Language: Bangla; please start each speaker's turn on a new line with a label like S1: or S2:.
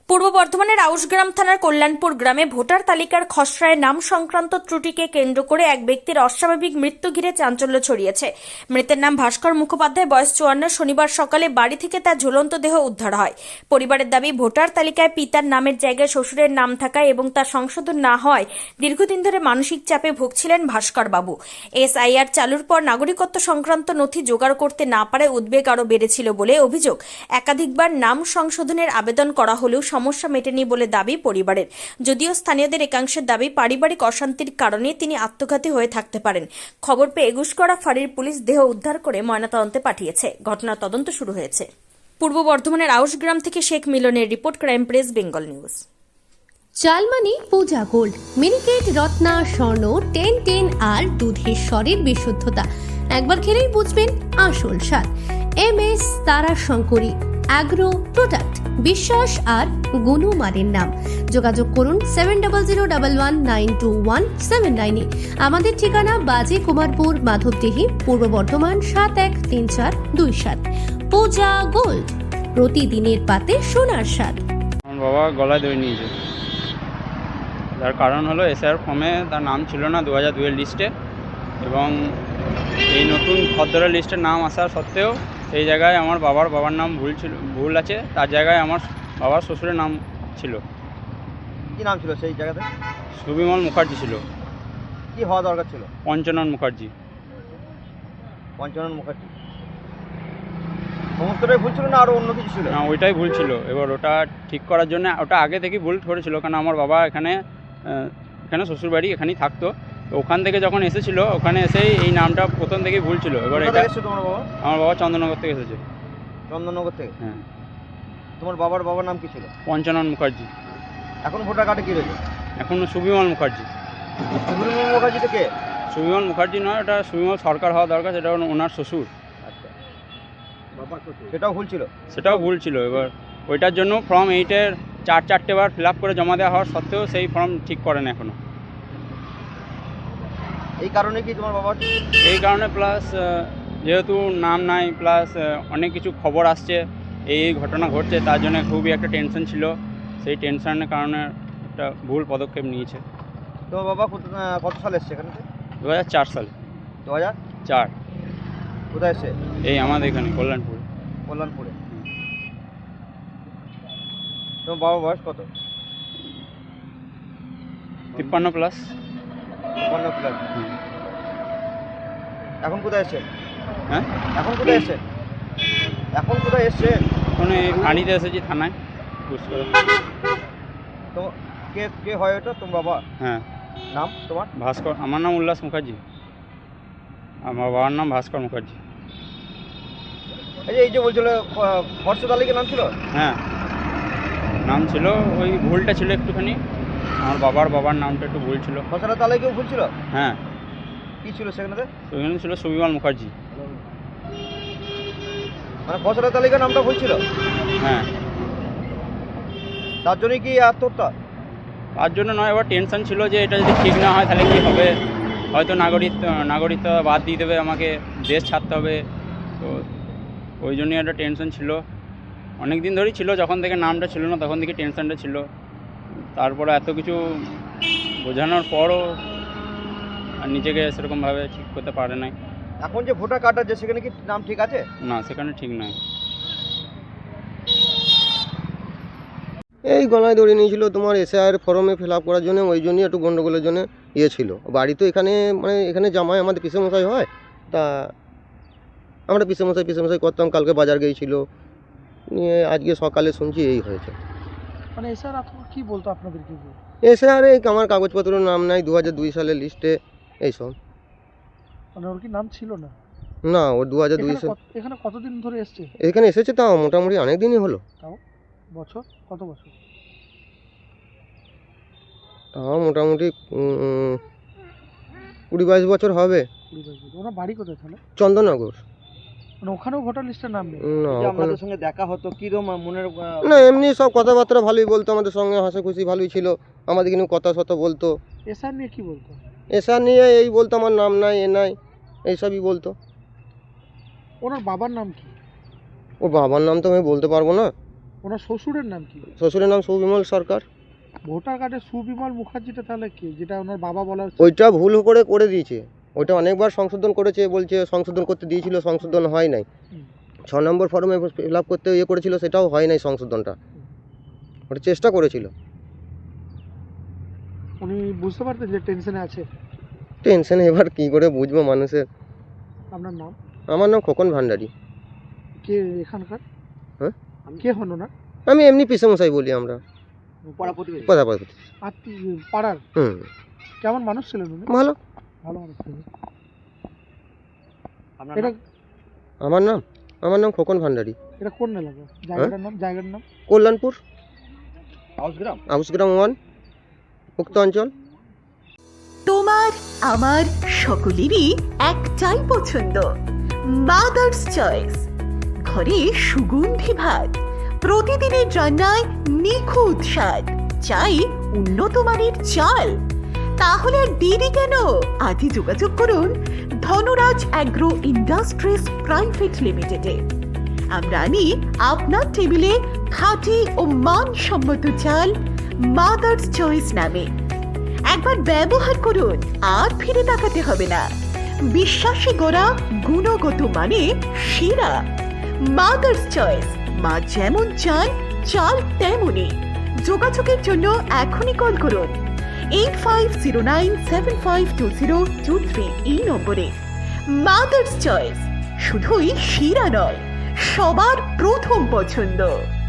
S1: পূর্ব বর্ধমানের আউশগ্রাম থানার কল্যাণপুর গ্রামে ভোটার তালিকার খসড়ায় নাম সংক্রান্ত ত্রুটিকে কেন্দ্র করে এক ব্যক্তির অস্বাভাবিক মৃত্যু ঘিরে চাঞ্চল্য ছড়িয়েছে। মৃতের নাম ভাস্কর মুখোপাধ্যায়, বয়স 54। শনিবার সকালে বাড়ি থেকে তার ঝুলন্ত দেহ উদ্ধার হয়। পরিবারের দাবি, ভোটার তালিকায় পিতার নামের জায়গায় শ্বশুরের নাম থাকায় এবং তা সংশোধন না হয় দীর্ঘদিন ধরে মানসিক চাপে ভুগছিলেন ভাস্কর বাবু। এসআইআর চালুর পর নাগরিকত্ব সংক্রান্ত নথি জোগাড় করতে না পারায় উদ্বেগ আরও বেড়েছিল বলে অভিযোগ। একাধিকবার নাম সংশোধনের আবেদন করা হলেও সমস্যা মেটেনি বলে দাবি পরিবারের। যদিও স্থানীয়দের একাংশের দাবি, পারিবারিক অশান্তির কারণে তিনি আত্মঘাতী হয়ে থাকতে পারেন। খবর পেয়ে এগুশকড়া ফাঁড়ির পুলিশ দেহ উদ্ধার করে ময়নাতদন্তে পাঠিয়েছে। ঘটনার তদন্ত শুরু হয়েছে। পূর্ব বর্ধমানের আউশগ্রাম থেকে শেখ মিলনের report, crime press Bengal news.
S2: চালমানি পূজা গোল্ড, মিনিকেট রত্না স্বর্ণ 1010 আর দুধের স্বরের বিশুদ্ধতা একবার খেলেই বুঝবেন আসল স্বাদ। MS তারা শঙ্করী অ্যাগ্রো প্রোডাক্ট, বিশ্বাস আর গুণমানের নাম। যোগাযোগ করুন 7001192179 আমাদের ঠিকানা বাজে কুমারপুর, মাধবদেহি, পূর্ব বর্ধমান 713427। পূজা গোল্ড, প্রতিদিনের পাতে সোনার স্বাদ।
S3: আমার বাবা গলায় দড়ি নিয়েছে, তার কারণ হলো এসআর ফর্মে তার নাম ছিল না 2002 লিস্টে, এবং এই নতুন খদ্দরের লিস্টে নাম আসা সত্ত্বেও সেই জায়গায় আমার বাবার নাম ভুল আছে, তার জায়গায় আমার বাবার শ্বশুরের নাম ছিল।
S4: কি নাম ছিল সেই জায়গাতে?
S3: সুবিমল মুখার্জি ছিল।
S4: কি হওয়া দরকার ছিল?
S3: পঞ্চানন মুখার্জি।
S4: পঞ্চানন মুখার্জি সমস্তটাই ভুল ছিল না আরও অন্য কিছু ছিল?
S3: না, ওইটাই ভুল ছিল। এবার ওটা ঠিক করার জন্য, ওটা আগে থেকেই ভুল করেছিল, কারণ আমার বাবা এখানে শ্বশুরবাড়ি এখানেই থাকতো। তো ওখান থেকে যখন এসেছিল, ওখানে এসেই এই নামটা প্রথম থেকেই ভুল ছিল। এবার এটা
S4: তোমার বাবা?
S3: আমার বাবা চন্দননগর থেকে এসেছে।
S4: চন্দননগর থেকে?
S3: হ্যাঁ।
S4: তোমার বাবার নাম কি ছিল?
S3: পঞ্চানন মুখার্জি।
S4: এখন ভোটার কার্ডে কি রয়েছে?
S3: এখন সুবিমল মুখার্জি।
S4: সুবিমল মুখার্জি থেকে?
S3: সুবিমল মুখার্জি নয়, ওটা সুবিমল সরকার হওয়া দরকার, সেটা ওনার শ্বশুর।
S4: আচ্ছা, সেটাও ভুল ছিল?
S3: সেটাও ভুল ছিল। এবার ওইটার জন্য ফর্ম 8-এর 4 বার ফিল আপ করে জমা দেওয়া হওয়ার সত্ত্বেও সেই ফর্ম ঠিক করেন এখনও।
S4: এই কারণে কি তোমার বাবা?
S3: এই কারণে, প্লাস যেহেতু নাম নাই, প্লাস অনেক কিছু খবর আসছে, এই ঘটনা ঘটছে, তার জন্য খুবই একটা টেনশন ছিল। সেই টেনশনের কারণে একটা ভুল পদক্ষেপ নিয়েছে।
S4: তোমার বাবা কত সালে এসছে এখানে?
S3: 2004 সালে।
S4: 2004? কোথায় এসছে?
S3: এই আমাদের এখানে কল্যাণপুরে।
S4: কল্যাণপুরে। তোমার বাবার বয়স কত?
S3: 53 প্লাস।
S4: 53 প্লাস। এখন কোথায় এসছে?
S3: হ্যাঁ,
S4: এখন কোথায় এসছে? এখন কোথায় এসছে?
S3: এখন এই ফাঁড়িতে এসেছি, থানায়। বুঝতে
S4: তো কে হয় ওটা? তোমার বাবা?
S3: হ্যাঁ।
S4: নাম তোমার?
S3: ভাস্কর। আমার নাম উল্লাস মুখার্জি, আমার বাবার নাম ভাস্কর মুখার্জি।
S4: এই যে বলছিল খরচা তালিকা নাম ছিল?
S3: হ্যাঁ, নাম ছিল, ওই ভুলটা ছিল একটুখানি। আমার বাবার নামটা একটু ভুল ছিল।
S4: খসড়া তালিকাও ভুল ছিল?
S3: হ্যাঁ।
S4: কি ছিল সেখানে?
S3: ওইখানে ছিল সুবিমল মুখার্জি।
S4: মানে খসড়া তালিকার নামটা ভুল ছিল?
S3: হ্যাঁ।
S4: তার জন্যই কি আত্মহত্যা?
S3: তার জন্য নয়, এবার টেনশন ছিল যে এটা যদি ঠিক না হয় তাহলে কী হবে, হয়তো নাগরিকত্ব বাদ দিয়ে দেবে, আমাকে দেশ ছাড়তে হবে। তো ওই জন্যই একটা টেনশন ছিল, অনেক দিন ধরেই ছিল। যখন থেকে নামটা ছিল না তখন থেকে টেনশনটা ছিল। তারপরে এত কিছু বোঝানোর পরও আর নিজেকে সেরকমভাবে ঠিক করতে পারে নাই।
S4: এখন যে ভোটার কার্ড আছে সেখানে কি নাম ঠিক আছে?
S3: না, সেখানে ঠিক নয়।
S5: এই গলায় দড়ি নিয়েছিল তোমার এসআইআর ফর্মে ফিল আপ করার জন্য, ওই জন্যই একটু গণ্ডগোলের জন্য ছিল। বাড়ি তো এখানে, মানে এখানে জামাই আমাদের পিসেমশাই হয়, তা আমরা পিসেমশাই করতাম। কালকে বাজার গিয়েছিল, নিয়ে আজকে সকালে শুনছি এই হয়েছে।
S6: মানে স্যার আপনার কি বলতো আপনাদের কি?
S5: এসআইআর এই আমার কাগজপত্রের নাম নাই, 2002 সালের লিস্টে এইসব।
S6: মানে ওর কি নাম ছিল না?
S5: না, ওর 2002 সালে।
S6: এখানে কতদিন ধরে এসছে?
S5: এখানে এসেছে তাও মোটামুটি অনেক দিনই হলো।
S6: তাও বছর কত বছর?
S5: তাও মোটামুটি 20-22 বছর হবে।
S6: 20-22 বছর। ওনার বাড়ি কোথায় তাহলে?
S5: চন্দননগর।
S6: মানে ওখানেও ভোটার লিস্টের নাম নেই?
S5: না,
S4: আপনাদের সঙ্গে দেখা হতো কি মনের?
S5: না, এমনি সব কথাবার্তা ভালোই বলতো, আমাদের সঙ্গে হাসি খুশি ভালোই ছিল, আমাদের কিন্তু কথা সত বলতো।
S6: এসআর নিয়ে কি বলতো?
S5: এসআর নিয়ে এই বলতো আমার নাম নাই, এ নাই, এইসবই বলতো।
S6: ওনার বাবার নাম কি?
S5: ও বাবার নাম তো আমি বলতে পারবো না।
S6: ওনার শ্বশুরের নাম কি?
S5: শ্বশুরের নাম সুবিমল সরকার।
S6: ভোটার কার্ডে সুবিমল মুখার্জিটা তাহলে কি, যেটা ওনার বাবা বলা হচ্ছে?
S5: ওইটা ভুল করে দিয়েছে। ওইটা অনেকবার সংশোধন করেছে, বলছে সংশোধন করতে দিয়েছিল, সংশোধন হয় নাই। 6 নম্বর ফর্মে ফিল আপ করতে করেছিল, সেটাও হয় নাই সংশোধনটা। ওটা চেষ্টা করেছিল।
S6: উনি বুঝতে পারতেন যে টেনশনে আছে?
S5: টেনশনে এবার কি করে বুঝবো মানুষের।
S6: আপনার নাম?
S5: আমার নাম খোকন ভান্ডারী।
S6: কে এখানকার?
S5: হ্যাঁ?
S6: কে হন ওনার?
S5: আমি এমনি পিসেমশাই বলি আমরা,
S4: পাড়া প্রতিবেশী?
S5: কথা
S6: পাড়ার?
S5: হুম,
S6: কেমন মানুষ ছিলেন উনি?
S5: ভালো।
S6: ভালো মানুষ ছিলেন।
S4: আপনার
S6: এটা
S4: নাম?
S5: আমার নাম খোকন ভান্ডারী।
S6: এটা কোন এলাকা? জায়গাটার নাম?
S5: কল্যাণপুর,
S4: হাউসগ্রাম?
S5: হাউসগ্রাম 1, উক্ত অঞ্চল।
S7: তোমার আমার সকলেরই একটাই পছন্দ, মাদার্স চয়েস। ঘরে সুগন্ধি ভাত, প্রতিদিনের রান্নায় নিখুঁত স্বাদ, চাই উন্নত মানের চাল। তাহলে আর দেরি কেন? আজই যোগাযোগ করুন ধনরাজ অ্যাগ্রো ইন্ডাস্ট্রিজ প্রাইভেট লিমিটেডে। আমরা আনি আপনার টেবিলে খাঁটি ও মানসম্মত চাল মাদার্স চয়েস নামে। একবার ব্যবহার করুন, আর ফিরে তাকাতে হবে না। বিশ্বাসী গোড়া, গুণগত মানে সেরা। মাদার্স চয়েস, মা যেমন চান চাল তেমনই। যোগাযোগের জন্য এখনই কল করুন 8509752023 এই নম্বরে। মাদার্স চয়েস শুধুই সেরা নয়, সবার প্রথম পছন্দ।